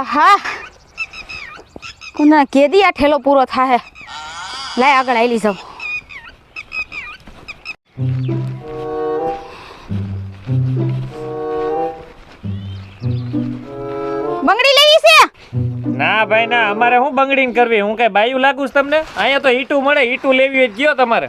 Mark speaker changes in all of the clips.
Speaker 1: હા કોના કેદી આ ઠેલો પૂરો થાહે લાય આગળ આઈલી જાવ બંગડી લેવી છે
Speaker 2: ના ભાઈ ના અમારે શું બંગડીને કરવી હું કઈ બાયું લાગુ છું તમને અહીંયા તો ઈટું મળે ઈટું લેવી હોય ગયો તમારે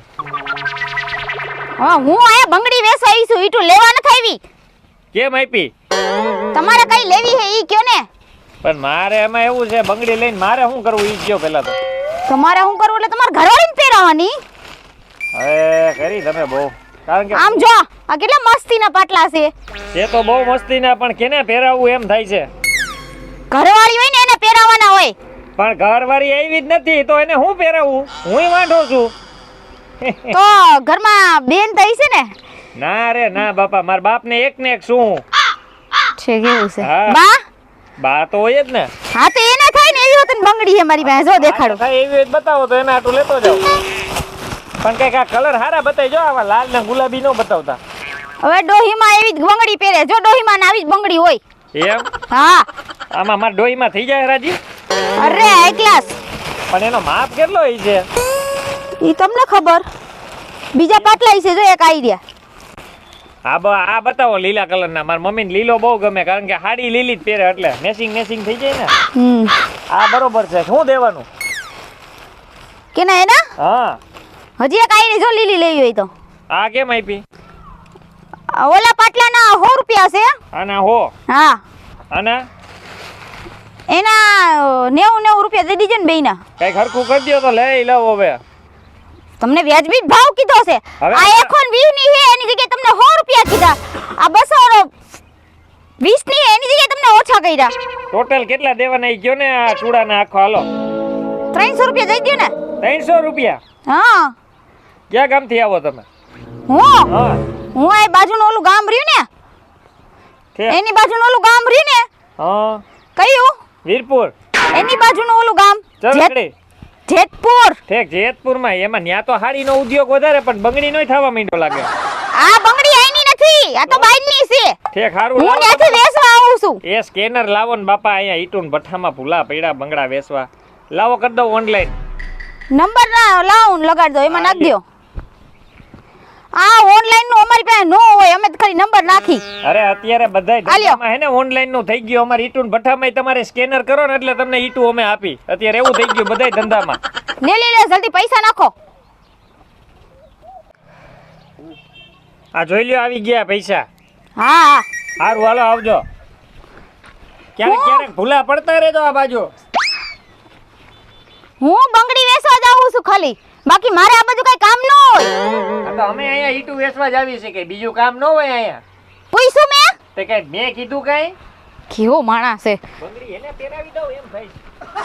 Speaker 1: હા હું આયા બંગડી વેચવા આવી છું ઈટું લેવા ન થાવી
Speaker 2: કેમ આપી
Speaker 1: તમારે કઈ લેવી હે ઈ કયો ને
Speaker 2: પણ મારે એમાં એવું છે બંગડી લઈને મારે શું કરવું ઈ કયો પેલા તો
Speaker 1: તમારે શું કરવું એટલે તમારે ઘરવાળીને પહેરાવાની
Speaker 2: હવે કરી તમે બહુ કારણ કે
Speaker 1: આમ જો આ કેટલા મસ્તીના પાટલા છે
Speaker 2: એ તો બહુ મસ્તીના પણ કેને પહેરાવવું એમ થાય છે
Speaker 1: ઘરવાળી હોય ને એને પહેરાવાના હોય
Speaker 2: પણ ઘરવાળી આવી જ નથી તો એને હું પહેરાવું હુંય વાંઢો છું
Speaker 1: તો ઘરમાં બેન તો છે ને
Speaker 2: ના રે ના બાપા મારા બાપ ને એક શું
Speaker 1: છે કેવું છે
Speaker 2: હા.
Speaker 1: બા
Speaker 2: બા તો હોય જ ને
Speaker 1: હા તો એને થાય ને એવી હોત ને બંગડી છે મારી પાસે જો દેખાડો
Speaker 2: હા, એવી હોય તો બતાવો તો એને આટલું લેતો જાવ પણ કઈક આ કલર હારા બતાવી જો આવા લાલ ને ગુલાબી નો બતાવતા
Speaker 1: હવે ડોહીમાં એવી જ બંગડી પહેરે જો ડોહીમાં ને આવી જ બંગડી હોય
Speaker 2: એમ
Speaker 1: હા
Speaker 2: આમાં મારા ડોહીમાં થઈ જાય રાજી
Speaker 1: અરે હાઈ ક્લાસ
Speaker 2: પણ એનો માપ કેટલો હોય છે
Speaker 1: ઈ તમને ખબર બીજા પાટલા છે જો એક આઈડિયા
Speaker 2: આ બતાવો લીલા કલરના મારા મમ્મીને લીલો બહુ ગમે કારણ કે હાડી લીલી જ પહેરે એટલે મેચિંગ થઈ જાય ને આ બરોબર છે શું દેવાનું
Speaker 1: કે ના એના
Speaker 2: હા
Speaker 1: હજી એક આઈડી જો લીલી લેવી હોય તો
Speaker 2: આ કેમ આપી
Speaker 1: ઓલા પાટલાના 100 રૂપિયા છે
Speaker 2: આના હો
Speaker 1: હા
Speaker 2: આના
Speaker 1: એના 90 રૂપિયા દઈ દીજે ને બેયના
Speaker 2: કઈ ખરખું કરી દો તો લઈ લઉં હવે
Speaker 1: તમને વ્યાજબી ભાવ કીધો છે
Speaker 2: હવે
Speaker 1: આ 120 ની છે એની જગ્યાએ તમને 100 રૂપિયા કીધા આ 220 ની એની જગ્યાએ તમને ઓછા કર્યા
Speaker 2: ટોટલ કેટલા દેવાના ઈ ગયો ને આ ચૂડાના આખો હાલો
Speaker 1: 300 રૂપિયા દઈ દો ને
Speaker 2: 300 રૂપિયા
Speaker 1: હા
Speaker 2: ક્યાં ગામથી આવો તમે
Speaker 1: હું
Speaker 2: હા
Speaker 1: આ બાજુનું ઓલું ગામ રહ્યું ને એની બાજુનું ઓલું ગામ રહ્યું ને
Speaker 2: હા
Speaker 1: કયું
Speaker 2: વીરપુર
Speaker 1: એની બાજુનું ઓલું ગામ
Speaker 2: ચરખડી
Speaker 1: જેતપુર
Speaker 2: ઠીક જેતપુરમાં એમાં ન્યા તો હાડીનો ઉદ્યોગ વધારે પણ બંગડી નોય થવા માંડ્યો લાગે
Speaker 1: આ બંગડી આઈની નથી આ તો બાઈની છે
Speaker 2: ઠીક હારું
Speaker 1: હું ત્યાંથી વેચવા આવું છું
Speaker 2: એ સ્કેનર લાવો ને બાપા અહીંયા ઈટુન ભઠ્ઠામાં ભૂલા પડ્યા બંગડા વેચવા લાવો કરી દઉં ઓનલાઈન
Speaker 1: નંબર ના લાવો ને લગાડ દો એમાં નાખ દો આ ઓનલાઈન નું અમારી પાસે નો હોય અમે તો ખાલી નંબર નાખી
Speaker 2: અરે અત્યારે બધાય ધંધામાં હે ને ઓનલાઈન નું થઈ ગયું અમારે ઈટુન ભઠ્ઠામાં તમારે સ્કેનર કરો ને એટલે તમને ઈટુ અમે આપી અત્યારે એવું થઈ ગયું બધાય ધંધામાં
Speaker 1: લે જલ્દી પૈસા નાખો
Speaker 2: આ જોઈ લ્યો આવી ગયા પૈસા
Speaker 1: હા
Speaker 2: સારું હાલો આવજો ક્યારેક ભૂલા પડતા રહેજો આ બાજુ
Speaker 1: હું બંગડી વેચવા જાઉં છું ખાલી બાકી મારે આ બધું કઈ કામ ન હોય
Speaker 2: આ તો અમે અહીંયા ઈટુ વેચવા જ આવી છે કે બીજું કામ ન હોય અહીંયા
Speaker 1: પૂછ્યું મેં
Speaker 2: તે કઈ મેં કીધું કઈ
Speaker 1: કેવો માણસ છે
Speaker 2: બંગડી એને પહેરાવી દઉં એમ થાય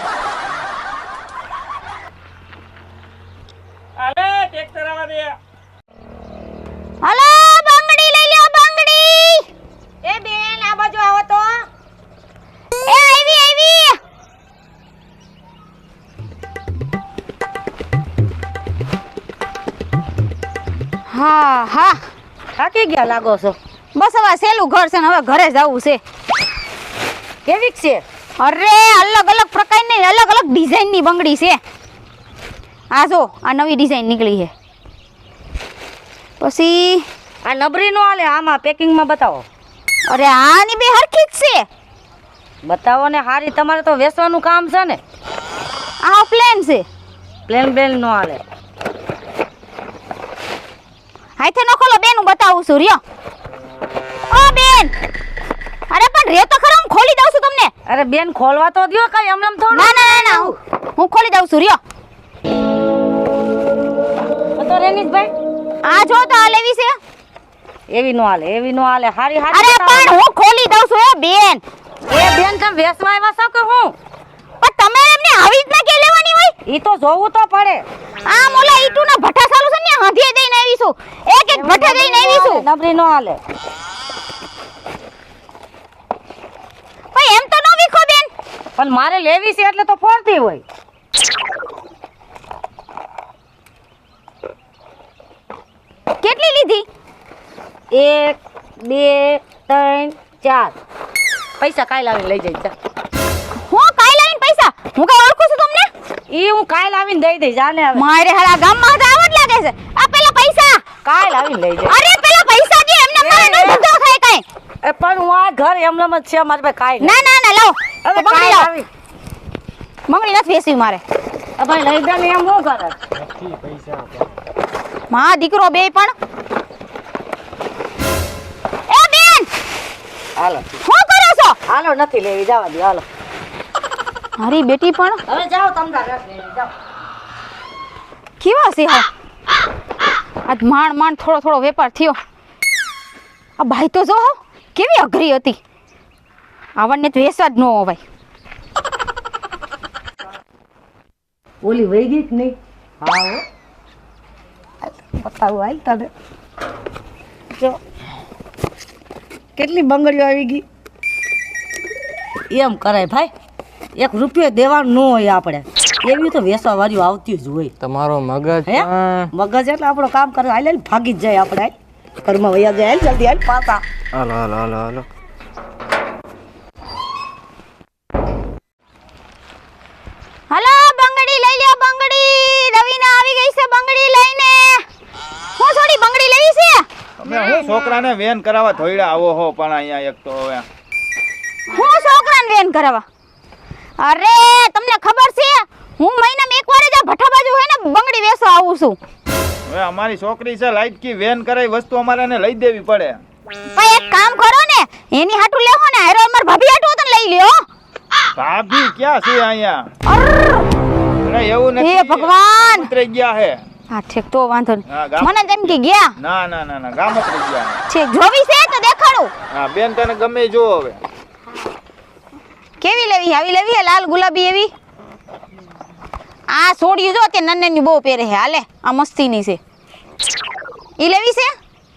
Speaker 2: અલે ટ્રેક્ટર આવા દે
Speaker 1: હલો બંગડી લઈ લ્યો બંગડી
Speaker 3: એ બેન આ બાજુ આવો તો
Speaker 1: એ આવી હા
Speaker 3: થાકી ગયા લાગો છો
Speaker 1: બસ હવે સેલું ઘર છે ને હવે ઘરે જવું છે
Speaker 3: કેવીક છે
Speaker 1: અરે અલગ અલગ પ્રકારની અલગ અલગ ડિઝાઇનની બંગડી છે આ જો આ નવી ડિઝાઇન નીકળી છે પછી
Speaker 3: આ નબરી નો આલે આમાં પેકિંગમાં બતાવો
Speaker 1: અરે આની બે હરખી જ છે
Speaker 3: બતાવો ને હારી તમારે તો વેચવાનું કામ છે ને
Speaker 1: આ પ્લેન છે
Speaker 3: પ્લેન બેન નો આલે
Speaker 1: હાથે ન ખોલો બેન હું બતાવું છું રહ્યો ઓ બેન અરે પણ રે તો ખરા હું ખોલી દઉં છું તમને
Speaker 3: અરે બેન ખોલવા તો દ્યો કઈ એમ થોડું
Speaker 1: ના હું ખોલી દઉં છું રહ્યો
Speaker 3: તો રેનીશભાઈ
Speaker 1: આ જો તો આ લેવી છે
Speaker 3: એવી નો આલે હારી
Speaker 1: અરે પણ હું ખોલી દઉં છું એ બેન
Speaker 3: એ બેન તમે વેચવા આવ્યા છો કે હું
Speaker 1: પણ તમે એમને આવી રીતના કે લેવાની હોય
Speaker 3: ઈ તો જોવું તો પડે
Speaker 1: આ મોલા ઈટુના ભઠ્ઠા ચાલુ છે ને હાંધીએ દઈને આવી છું એક ભઠ્ઠા દઈને આવી છું
Speaker 3: નબરી નો આલે
Speaker 1: ભાઈ એમ તો નો વિખો બેન
Speaker 3: પણ મારે લેવી છે એટલે તો ફોડતી હોય
Speaker 1: કેટલી લીધી
Speaker 3: 1 2 3 4 પૈસા કાઈ લાવીને લઈ જઈ જા ઈ હું કાલ આવીને દઈ દઈશ જાને હવે
Speaker 1: મારે હાલા ગામમાં હતા આવડ લાગે છે. આ પેલા પૈસા
Speaker 3: કાલ આવીને લઈ જાય
Speaker 1: અરે પેલા પૈસા દે એમને મારે નો ધંધો થાય કઈ.
Speaker 3: એ પણ હું આ ઘર એમનેમ જ છે મારે પાસે કાઈ
Speaker 1: ના ના ના લાવ
Speaker 3: હવે
Speaker 1: બંગડી
Speaker 3: કાલ
Speaker 1: લાવ.
Speaker 3: આવી
Speaker 1: બંગડી નથી વેસવી મારે.
Speaker 3: ભાઈ લઈ દે ને એમ હું કરે
Speaker 2: નથી પૈસા
Speaker 1: માં દીકરો બે પણ એ બેન
Speaker 3: હાલો
Speaker 1: શું કરો છો?
Speaker 3: હાલો નથી લેવી જવા દે હાલો
Speaker 1: મારી બેટી પણ
Speaker 3: હવે જાઓ તમને રસ લેવી જાઓ
Speaker 1: કેવા છે હા આજ માંડ થોડો થોડો વેપાર થયો. આ ભાઈ તો જો હો, કેવી અઘરી હતી. આવડને તો વેસવા જ ન હોવાય.
Speaker 3: ઓલી વહી ગઈ કે નહીં હા હો બતાવું હાલ તને જો કેટલી બંગડીઓ આવી ગઈ એમ કરાય ભાઈ 1 રૂપિયો દેવાનું ન હોય આપણે એવી તો વેસવા વાળીઓ આવતી જ હોય
Speaker 2: તમારો મગજ
Speaker 3: હે મગજ એટલે આપણું કામ કરે હાલ હાલ ભાગી જ જાય આપણે ઘરમાં વયા જાય હાલ જલ્દી હાલ પાછા
Speaker 2: હાલો હાલો હાલો હાલો
Speaker 1: હલો બંગડી લઈ લ્યો બંગડી. રવીના આવી ગઈ છે બંગડી લઈને. હું થોડી બંગડી લેવી છે.
Speaker 4: તમે હું છોકરાને વેન કરાવવા ધોઈડા આવો હો પણ અહીંયા એક તો હવે
Speaker 1: હું છોકરાને વેન કરાવવા. અરે તમને ખબર છે હું મહિનામાં એકવાર જ આ ભઠ્ઠા બાજુ હોય ને બંગડી વેચવા આવું છું.
Speaker 4: હવે અમારી છોકરી છે લાઈટ કી વેન કરાવી વસ્તુ અમારે એને લઈ દેવી પડે.
Speaker 1: પણ એક કામ કરો ને એની હાટુ લેવો ને હારો અમાર ભાભી હાટુ તો લઈ લ્યો.
Speaker 4: ભાભી ક્યાં છે અહીંયા?
Speaker 1: અરે
Speaker 4: અરે એવું નથી.
Speaker 1: હે ભગવાન.
Speaker 4: ઉતરી ગયા હે.
Speaker 1: હા ઠીક તો વાંધો
Speaker 4: હા,
Speaker 1: નહીં.
Speaker 4: ગામ.
Speaker 1: મને તેમ કે ગયા
Speaker 4: ના ના ના ના ગામ ઉતરી ગયા.
Speaker 1: ઠીક જોવી છે તો દેખાડું.
Speaker 4: હા બેન તને ગમે ઈ જો હવે.
Speaker 1: કેવી લેવી? આવી લેવી હે લાલ ગુલાબી એવી? આ સોડિયું જો તે નન્નેની બહુ પહેરે છે. હાલે આ મસ્તીની છે. ઈ લેવી છે?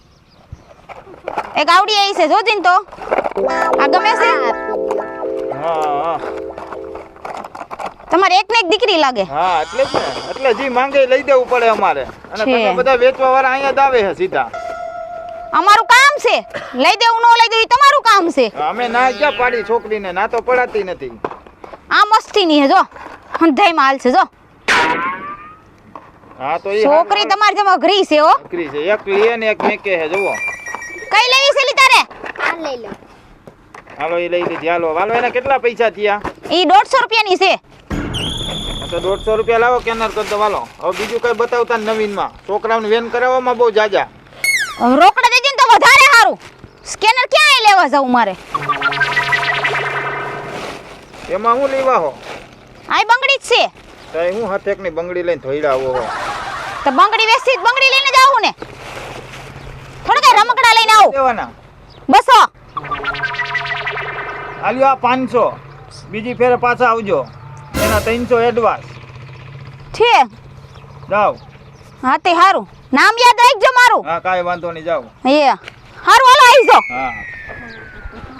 Speaker 1: એક આવડી આવી છે જોજીન તો. આ ગમે છે?
Speaker 4: હા હા
Speaker 1: તમારે એકને એક દીકરી લાગે.
Speaker 4: હા એટલે જ ને એટલે જી માંગે ઈ લઈ દેવું પડે અમારે. અને
Speaker 1: છે.
Speaker 4: તમે બધા વેચવા વાળા અહીંયા જ આવે છે સીધા.
Speaker 1: અમારું કામ છે. લઈ દેવું ન લઈ દેવું ઈ તમારું કામ છે.
Speaker 4: અમે ના ક્યાં પાડી છોકરીને ના તો પડાતી નથી.
Speaker 1: આ મસ્તીની છે જો. હંધાઈમાં હાલ છે જો.
Speaker 4: હા તો ઈ
Speaker 1: છોકરી તમારી જેમ અઘરી છે હો.
Speaker 4: છોકરી છે એક લીએ ને એક મેકે છે જુઓ.
Speaker 1: કઈ લેવી છે લી તારે?
Speaker 4: હાલો ઈ લઈ લીધી હાલો હાલો એના કેટલા પૈસા થયા?
Speaker 1: ઈ 150 રૂપિયાની છે.
Speaker 4: તો 150 રૂપિયા લાવો કેનર કરી દો હાલો. હવે બીજું કઈ બતાવતા નવીનમાં છોકરાઓને વેન કરાવવામાં બહુ જાજા.
Speaker 1: રોકડા દેજે ને તો વધારે સારું. સ્કેનર ક્યાં લેવા જાઉં મારે?
Speaker 4: એમાં હું લેવા હો?
Speaker 1: આય બંગડી જ છે.
Speaker 4: તો હું હથેકની બંગડી લઈને ધોઈડા આવો હો.
Speaker 1: તો બંગડી વેચી બંગડી લઈને જાવું ને. થોડા કઈ રમકડા લઈને આવું.
Speaker 4: દેવાના
Speaker 1: બસો.
Speaker 4: હાલ્યો આ 500 બીજી ફેરે પાછા આવજો. એના 300 એડવાન્સ
Speaker 1: છે.
Speaker 4: જાવ.
Speaker 1: હા તે સારું. નામ યાદ રાખજો મારું.
Speaker 4: હા કાંઈ વાંધો નહીં જાવ.
Speaker 1: એ સારું હાલો આવી જાઓ.
Speaker 4: હા